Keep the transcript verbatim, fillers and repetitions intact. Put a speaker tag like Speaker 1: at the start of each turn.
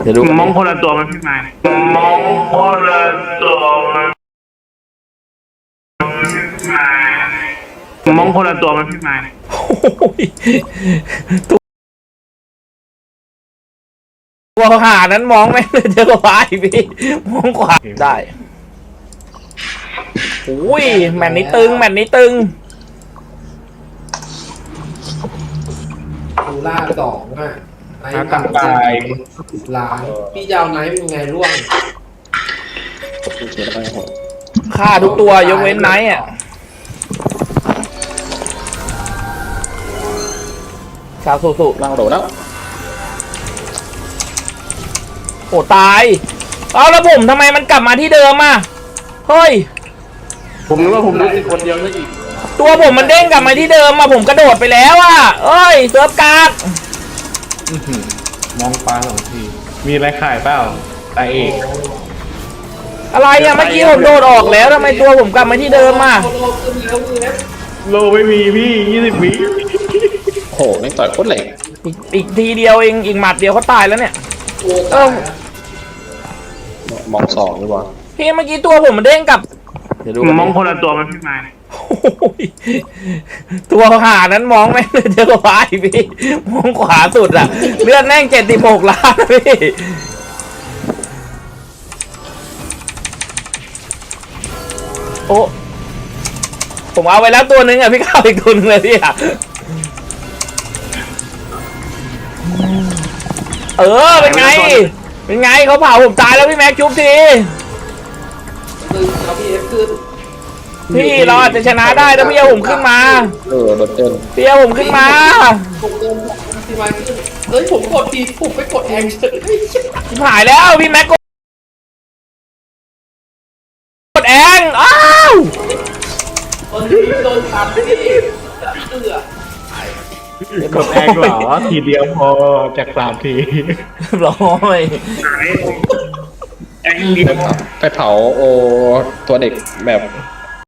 Speaker 1: เดี๋ยวดู
Speaker 2: มองคนละตัวมันพี่ไม้มองคนละตัวมันมองคนละตัวมันพี่ไม้
Speaker 1: ตัวหานั้นมองไม่เลยเจอกว่าอีกพี่มองขวาได้อุ้ยแมตช์นี้ตึงแมตช์นี้ตึง
Speaker 3: ดูล่าสองอ่ะไอ้ต่างตายล้างพี่ยาวไนท์เป็นไงร่วง
Speaker 1: ฆ่าทุกตัวยกเว้นไนท์อ่ะชาวสุๆ
Speaker 4: ล่างโดดแล้ว
Speaker 1: โอ้ตายเอาแล้วผมทำไมมันกลับมาที่เดิมอ่ะเฮ้ย
Speaker 4: ผมนึกว่าผมรู้สึกคนเดียวซะอีก
Speaker 1: ตัวผมมันเด้งกลับมาที่เดิมมาผมกระโดดไปแล้วอ่ะเอ้ยเซิร์ฟการ์ด
Speaker 4: มองฟ้าสองทีมีอะไรขายเปล่าตาเอก
Speaker 1: อะไรอ่ะเมื่อกี้ผมโดดออกแล้วทำไมตัวผมกลับมาที่เดิมอ่ะ
Speaker 4: โลไม่มีพี่ยี่สิบวิโหไม่ต่อยโคตรเหล็ก
Speaker 1: อีกอีกทีเดียวเองอีกหมัดเดียวเขาตายแล้วเนี่ยเออ
Speaker 4: มองสองดีกว่า
Speaker 1: พี่เมื่อกี้ตัวผมมันเด้งกลับ
Speaker 2: เดี๋ยวดูมองคนละตัวมันพี่ไม้
Speaker 1: ตัวหานั้นมองไม่เลยเจอกว่าอีกพี่มองขวาสุดอ่ะเลือดแน่งเจ็ดสิบหกล้านพี่โอ้ผมเอาไว้แล้วตัวนึงอ่ะพี่เข้าอีกตัวนึงเลยพี่อ่ะเออเป็นไงเป็นไงเขาเผาผมตายแล้วพี่แม็กชุบทีพี่เราอาจจะชนะได้ถ้าพี่เอาผมขึ้นมา
Speaker 4: เออรถเต้น
Speaker 1: พี่เอาผมขึ้นมา
Speaker 3: ผมเดินพี่ไม้ขึ้นเฮ้ยผมกดดีผมไปกดแองเฉย
Speaker 1: ชิบหายแล้วพี่แม็กกดแองอ้าว
Speaker 3: คนที่โดนทำนี่เสือก
Speaker 4: ดแองเหรอทีเดียวพอจากสามที
Speaker 1: ร้อย
Speaker 2: แองเดียว
Speaker 4: ไปเผาโอตัวเด็กแบบ